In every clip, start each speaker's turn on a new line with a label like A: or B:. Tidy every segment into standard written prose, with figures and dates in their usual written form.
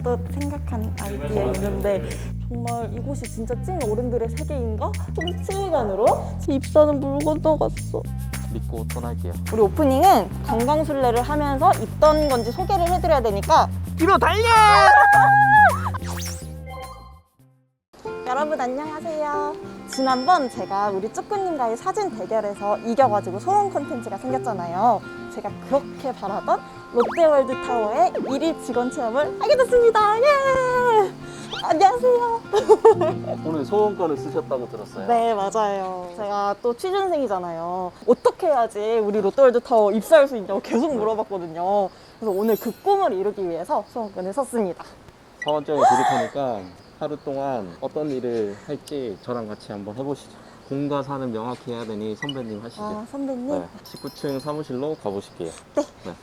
A: 또 생각한 아이디어 있는데 정말 이곳이 진짜 찐 어른들의 세계인가? 좀 실감으로 입사는 물 건너갔어.
B: 믿고 떠날게요.
A: 우리 오프닝은 건강술래를 하면서 입던 건지 소개를 해드려야 되니까
B: 뒤로 달려!
A: 여러분 안녕하세요. 지난번 제가 우리 쭈꾸님과의 사진 대결에서 이겨가지고 소원 콘텐츠가 생겼잖아요. 제가 그렇게 바라던 롯데월드타워의 1일 직원 체험을 하게 됐습니다. 예! 안녕하세요.
B: 오늘 소원권을 쓰셨다고 들었어요.
A: 네, 맞아요. 제가 또 취준생이잖아요. 어떻게 해야지 우리 롯데월드타워 입사할 수 있냐고 계속 물어봤거든요. 그래서 오늘 그 꿈을 이루기 위해서 소원권을 썼습니다.
B: 사원장에 드릴 테니까 하루 동안 어떤 일을 할지 저랑 같이 한번 해보시죠. 공과 사는 명확히 해야 되니 선배님 하시죠.
A: 아, 선배님?
B: 네, 19층 사무실로 가보실게요.
A: 네.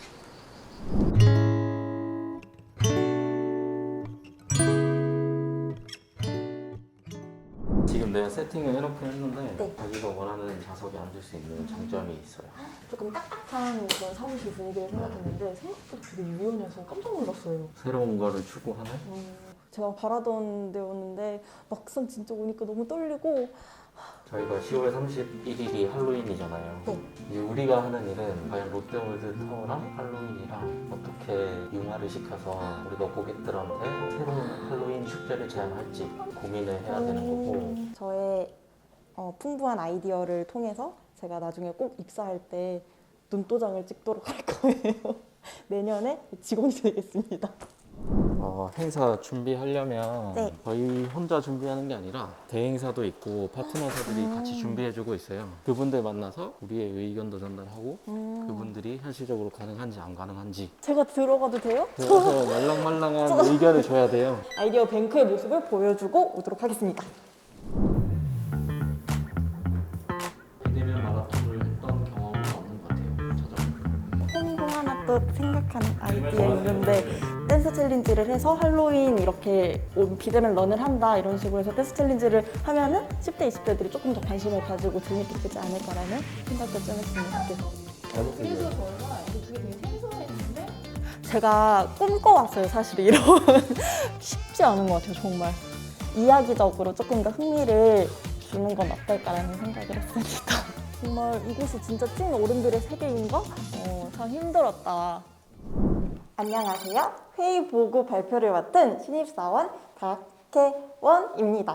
B: 지금 내가 세팅을 해놓긴 했는데
A: 네.
B: 자기가 원하는 좌석에 앉을 수 있는 장점이 있어요.
A: 조금 딱딱한 그런 사무실 분위기를 생각했는데 생각보다 되게 유연해서 깜짝 놀랐어요.
B: 새로운 거를 추구하는?
A: 제가 바라던 데였는데 막상 진짜 오니까 너무 떨리고.
B: 저희가 10월 31일이 할로윈이잖아요.
A: 네.
B: 이제 우리가 하는 일은 과연 롯데월드 타워랑 할로윈이랑 어떻게 융화를 시켜서 우리가 고객들한테 새로운 할로윈 축제를 제안할지 고민을 해야 되는 거고.
A: 저의 풍부한 아이디어를 통해서 제가 나중에 꼭 입사할 때 눈도장을 찍도록 할 거예요. 내년에 직원이 되겠습니다.
B: 행사 준비하려면
A: 네.
B: 저희 혼자 준비하는 게 아니라 대행사도 있고 파트너사들이 같이 준비해주고 있어요. 그분들 만나서 우리의 의견도 전달하고 그분들이 현실적으로 가능한지 안 가능한지
A: 제가 들어가도 돼요?
B: 그래서 말랑말랑한 의견을 줘야 돼요.
A: 아이디어 뱅크의 모습을 보여주고 오도록 하겠습니다.
B: 비대면 마라톤을 했던 경험은 없는 것 같아요. 저도.
A: 홍보 하나 또 생각한 아이디어 있는데 댄스 챌린지를 해서 할로윈 이렇게 비대면 런을 한다 이런 식으로 해서 댄스 챌린지를 하면은 10대, 20대들이 조금 더 관심을 가지고 재밌게 되지 않을까라는 생각도 좀 했습니다.
C: 그래서 저희가 이게 되게 생소했는데
A: 제가 꿈꿔왔어요, 사실 이런. 쉽지 않은 것 같아요, 정말. 이야기적으로 조금 더 흥미를 주는 건 어떨까라는 생각을 했습니다. 정말 이곳이 진짜 찐 어른들의 세계인가? 참 힘들었다. 안녕하세요. 회의 보고 발표를 맡은 신입사원 박혜원입니다.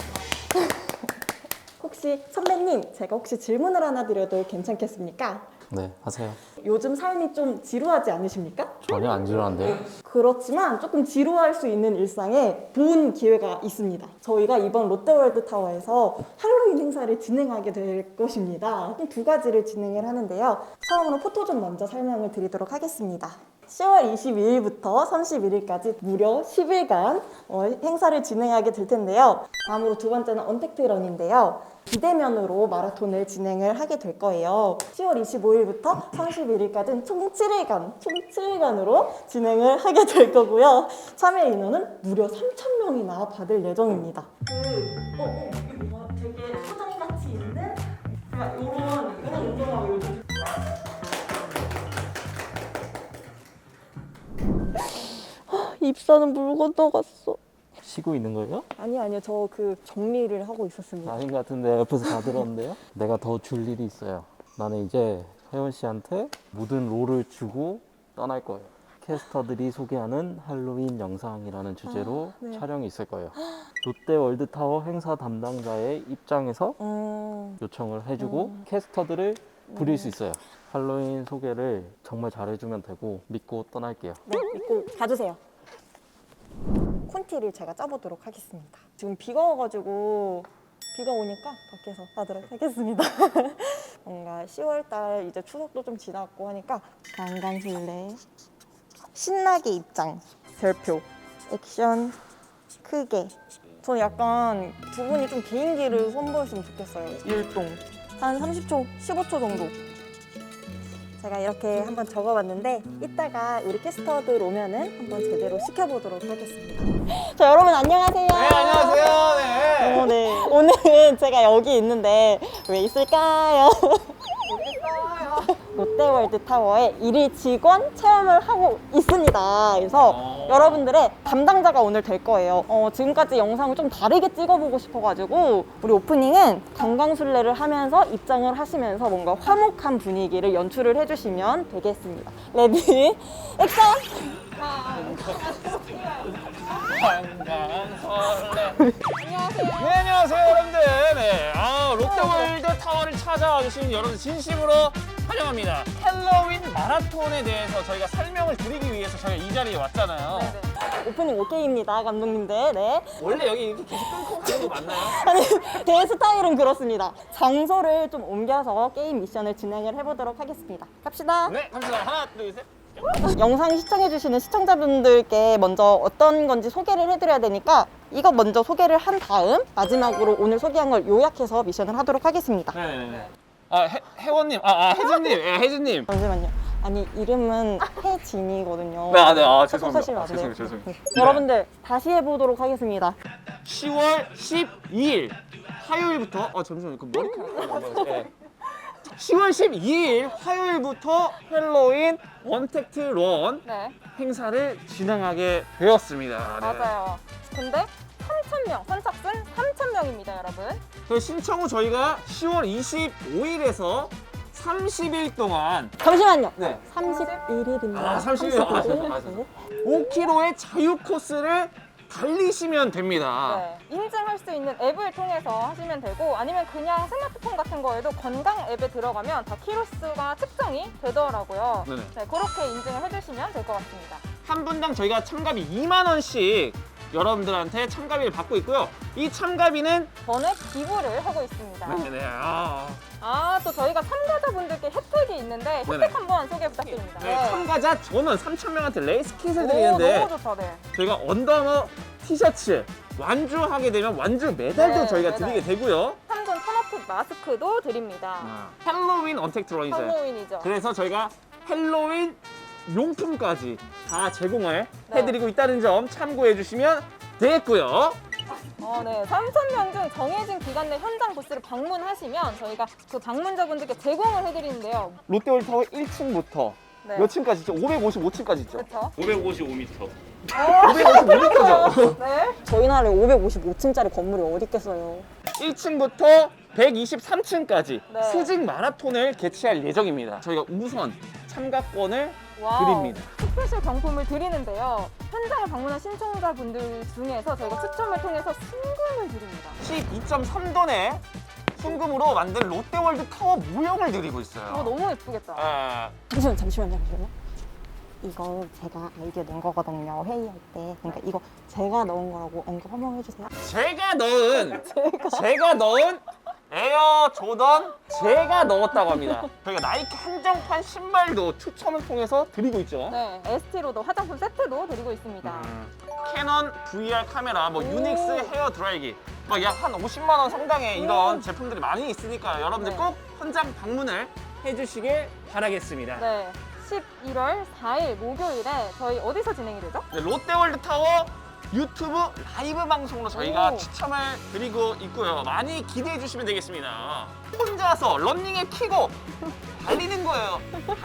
A: 혹시 선배님, 제가 혹시 질문을 하나 드려도 괜찮겠습니까?
B: 네, 하세요.
A: 요즘 삶이 좀 지루하지 않으십니까?
B: 전혀 안 지루한데요?
A: 그렇지만 조금 지루할 수 있는 일상에 좋은 기회가 있습니다. 저희가 이번 롯데월드타워에서 할로윈 행사를 진행하게 될 것입니다. 총 2가지를 진행을 하는데요. 처음으로 포토존 먼저 설명을 드리도록 하겠습니다. 10월 22일부터 31일까지 무려 10일간 행사를 진행하게 될 텐데요. 다음으로 2번째는 언택트런인데요. 비대면으로 마라톤을 진행을 하게 될 거예요. 10월 25일부터 31일까지는 총 7일간으로 진행을 하게 될 거고요. 참여 인원은 무려 3,000명이나 받을 예정입니다. 이게 뭐가 되게 소장같이 있는 이런 운동하고 요즘 입사는 물 건너갔어.
B: 쉬고 있는 거예요?
A: 아니요. 저 그 정리를 하고 있었습니다.
B: 아닌 것 같은데 옆에서 다 들었는데요? 내가 더 줄 일이 있어요. 나는 이제 혜원 씨한테 모든 롤을 주고 떠날 거예요. 캐스터들이 소개하는 할로윈 영상이라는 주제로
A: 네.
B: 촬영이 있을 거예요. 롯데월드타워 행사 담당자의 입장에서 요청을 해주고 캐스터들을 부릴 수 있어요. 할로윈 소개를 정말 잘해주면 되고 믿고 떠날게요.
A: 네, 믿고 가주세요. 콘티를 제가 짜보도록 하겠습니다. 지금 비가 와가지고 비가 오니까 밖에서 하도록 하겠습니다. 뭔가 10월달 이제 추석도 좀 지났고 하니까 강간술래 신나게 입장 별표 액션 크게. 저는 약간 두 분이 좀 개인기를 선보였으면 좋겠어요. 율동 한 30초, 15초 정도. 제가 이렇게 한번 적어봤는데 이따가 우리 캐스터들 오면은 한번 제대로 시켜보도록 하겠습니다. 자, 여러분 안녕하세요.
D: 네, 안녕하세요. 네.
A: 네. 오늘은 제가 여기 있는데 왜 있을까요?
D: 모르겠어요.
A: 롯데월드 타워에 일일 직원 체험을 하고 있습니다. 그래서 여러분들의 담당자가 오늘 될 거예요. 지금까지 영상을 좀 다르게 찍어보고 싶어가지고 우리 오프닝은 강강술래를 하면서 입장을 하시면서 뭔가 화목한 분위기를 연출을 해주시면 되겠습니다. 레디, 액션!
D: 강강설레. 네, 안녕하세요, 여러분들. 네, 롯데월드 타워를 찾아와 주신 여러분 진심으로 환영합니다. 헬로윈 마라톤에 대해서 저희가 설명을 드리기 위해서 저희가 이 자리에 왔잖아요.
A: 오프닝 오케이입니다, 감독님들. 네.
D: 원래 여기 이렇게 계속 끊고 가는 거 맞나요?
A: 아니, 제 스타일은 그렇습니다. 장소를 좀 옮겨서 게임 미션을 진행을 해보도록 하겠습니다. 갑시다.
D: 네, 갑시다. 하나, 둘, 셋.
A: 영상 시청해주시는 시청자분들께 먼저 어떤 건지 소개를 해드려야 되니까 이거 먼저 소개를 한 다음 마지막으로 오늘 소개한 걸 요약해서 미션을 하도록 하겠습니다.
D: 네네네. 혜원님, 혜진님, 혜진님.
A: 잠시만요. 아니, 이름은 혜진이거든요.
D: 네,
A: 사실 안 돼요.
D: 죄송해요.
A: 여러분들 다시 해보도록 하겠습니다.
D: 10월 12일 화요일부터 잠시만요. 그 머리카락. 네. 10월 12일 화요일부터 헬로윈 원택트 런
C: 네,
D: 행사를 진행하게 되었습니다. 네.
C: 맞아요. 근데 3,000명, 선착순 3,000명입니다, 여러분.
D: 그 신청 후 저희가 10월 25일에서 30일 동안
A: 잠시만요.
D: 네.
A: 31일입니다.
D: 30일. 맞아. 5km의 자유 코스를 달리시면 됩니다.
C: 네, 인증할 수 있는 앱을 통해서 하시면 되고 아니면 그냥 스마트폰 같은 거에도 건강 앱에 들어가면 다 키로수가 측정이 되더라고요.
D: 네네.
C: 네, 그렇게 인증을 해주시면 될 것 같습니다.
D: 한 분당 저희가 참가비 2만 원씩 여러분들한테 참가비를 받고 있고요. 이 참가비는
C: 전액 기부를 하고 있습니다.
D: 네네.
C: 또 저희가 참가자분들께 혜택이 있는데 혜택
D: 네네.
C: 한번 소개 부탁드립니다.
D: 네, 참가자 전원 3,000명한테 레이스 킷을
C: 오,
D: 드리는데
C: 너무 좋다, 네.
D: 저희가 언더아머 티셔츠 완주하게 되면 완주 메달도
C: 네,
D: 저희가
C: 메달.
D: 드리게 되고요.
C: 3분 턴어핏 마스크도 드립니다.
D: 헬로윈 언택트 런이죠.
C: 할로윈이죠.
D: 그래서 저희가 헬로윈 용품까지 다 제공을
C: 네.
D: 해드리고 있다는 점 참고해 주시면 되겠고요.
C: 네. 3,000명 중 정해진 기간 내 현장 부스를 방문하시면 저희가 그 방문자분들께 제공을 해드리는데요.
D: 롯데월드 타워 1층부터
C: 네.
D: 몇 층까지 있죠? 555층까지 있죠?
C: 그렇죠?
D: 555m. 555m죠?
C: 네.
A: 저희 나라에 555층짜리 건물이 어디 있겠어요.
D: 1층부터 123층까지
C: 네.
D: 수직 마라톤을 개최할 예정입니다. 저희가 우선 참가권을
C: 와우.
D: 드립니다.
C: 스페셜 경품을 드리는데요. 현장을 방문한 신청자분들 중에서 저희가 추첨을 통해서 순금을 드립니다.
D: 12.3톤의 순금으로 만든 롯데월드 타워 모형을 드리고 있어요.
C: 너무 예쁘겠다.
A: 잠시만요. 이거 제가 아이디어 낸 거거든요. 회의할 때. 그러니까 이거 제가 넣은 거라고 언급 한번 해주세요.
D: 제가 넣은 에어 조던 제가 넣었다고 합니다. 저희가 나이키 한정판 신발도 추첨을 통해서 드리고 있죠.
C: 네, ST로도 화장품 세트도 드리고 있습니다.
D: 캐논 VR 카메라, 유닉스 헤어 드라이기, 약 한 50만 원 상당의 이런 제품들이 많이 있으니까 여러분들
C: 네.
D: 꼭 현장 방문을 해주시길 바라겠습니다.
C: 네, 11월 4일 목요일에 저희 어디서 진행이 되죠?
D: 네, 롯데월드 타워 유튜브 라이브 방송으로 저희가
C: 오.
D: 추첨을 드리고 있고요. 많이 기대해 주시면 되겠습니다. 혼자서 런닝에 키고 달리는 거예요.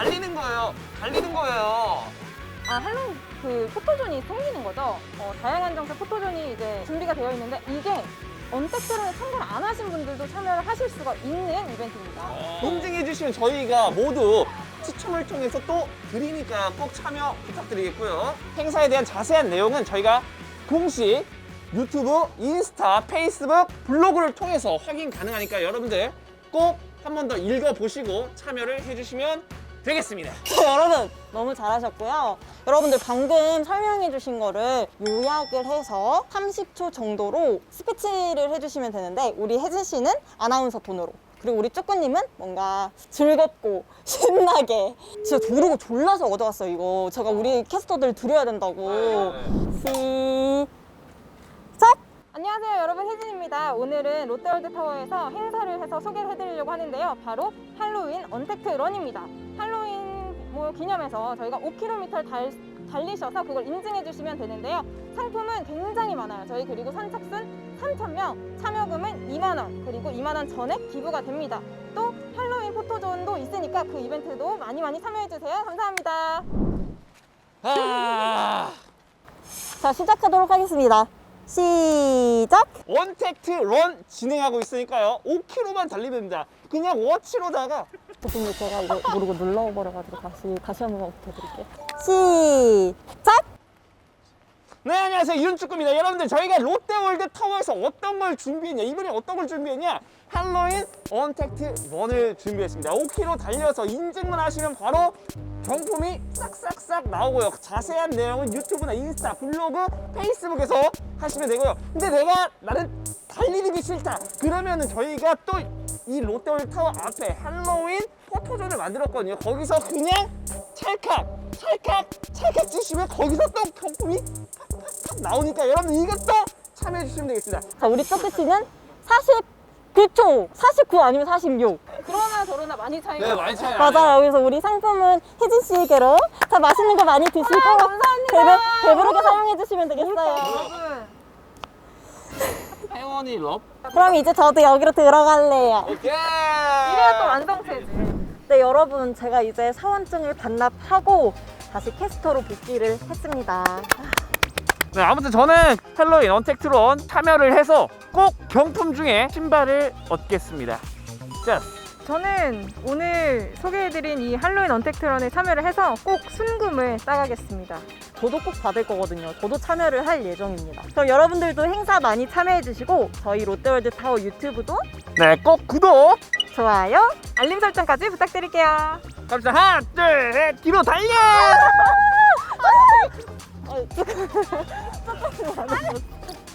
C: 할로윈 그 포토존이 생기는 거죠. 다양한 장소 포토존이 이제 준비가 되어 있는데 이게 언택트론에 참가를 안 하신 분들도 참여를 하실 수가 있는 이벤트입니다.
D: 인증해 주시면 저희가 모두 추첨을 통해서 또 드리니까 꼭 참여 부탁드리겠고요. 행사에 대한 자세한 내용은 저희가 공식 유튜브, 인스타, 페이스북, 블로그를 통해서 확인 가능하니까 여러분들 꼭 한 번 더 읽어보시고 참여를 해주시면 되겠습니다.
A: 여러분 너무 잘하셨고요. 여러분들 방금 설명해 주신 거를 요약을 해서 30초 정도로 스피치를 해주시면 되는데 우리 혜진 씨는 아나운서 톤으로 그리고 우리 쪼꾸님은 뭔가 즐겁고 신나게 진짜 조르고 졸라서 얻어왔어요 이거 제가 우리 캐스터들 드려야 된다고 시작!
C: 안녕하세요 여러분, 혜진입니다. 오늘은 롯데월드 타워에서 행사를 해서 소개를 해드리려고 하는데요. 바로 할로윈 언택트 런입니다. 할로윈 기념해서 저희가 5km를 달리셔서 그걸 인증해 주시면 되는데요. 상품은 굉장히 많아요. 저희 그리고 선착순 3,000명, 참여금은 2만 원, 그리고 2만 원 전액 기부가 됩니다. 또 할로윈 포토존도 있으니까 그 이벤트도 많이 참여해주세요. 감사합니다.
D: 아,
A: 자, 시작하도록 하겠습니다. 시작!
D: 언택트 런 진행하고 있으니까요. 5km만 달리면 됩니다. 그냥 워치로다가
A: 교수님, 제가 이거 모르고 눌러버려가지고 다시 한 번만 부탁드릴게요. 시작!
D: 네, 안녕하세요. 이윤축구입니다. 여러분들, 저희가 롯데월드 타워에서 어떤 걸 준비했냐, 이번에 어떤 걸 준비했냐, 할로윈 언택트 런을 준비했습니다. 5km 달려서 인증만 하시면 바로 경품이 싹싹싹 나오고요. 자세한 내용은 유튜브나 인스타, 블로그, 페이스북에서 하시면 되고요. 근데 나는 달리는 게 싫다, 그러면은 저희가 또 이 롯데월드 타워 앞에 할로윈 포토존을 만들었거든요. 거기서 그냥 찰칵 치시면 거기서 또 경품이 팍팍팍 나오니까 여러분 이것도 참여해 주시면 되겠습니다.
A: 자, 우리 쪼끄씨는 49초! 49 아니면 46.
C: 그러나 저러나 많이 차이가
D: 많이 차이
A: 맞아요. 그래서 우리 상품은 혜진 씨에게로 다 맛있는 거 많이 드시고
C: 감사합니다.
A: 배부르게 사용해 주시면 되겠어요.
C: 여러분.
D: 혜원이 럽.
A: 그럼 이제 저도 여기로 들어갈래요.
D: 오케이.
C: 이래야 또 완성체지.
A: 네, 여러분, 제가 이제 사원증을 반납하고 다시 캐스터로 복귀를 했습니다.
D: 네, 아무튼 저는 할로윈 언택트 런 참여를 해서 꼭 경품 중에 신발을 얻겠습니다. 자,
C: 저는 오늘 소개해드린 이 할로윈 언택트런에 참여를 해서 꼭 순금을 따가겠습니다.
A: 저도 꼭 받을 거거든요. 저도 참여를 할 예정입니다. 그럼 여러분들도 행사 많이 참여해 주시고 저희 롯데월드 타워 유튜브도
D: 네, 꼭 구독.
A: 좋아요.
C: 알림 설정까지 부탁드릴게요.
D: 갑시다. 하나, 둘, 셋, 뒤로 달려.
A: 조금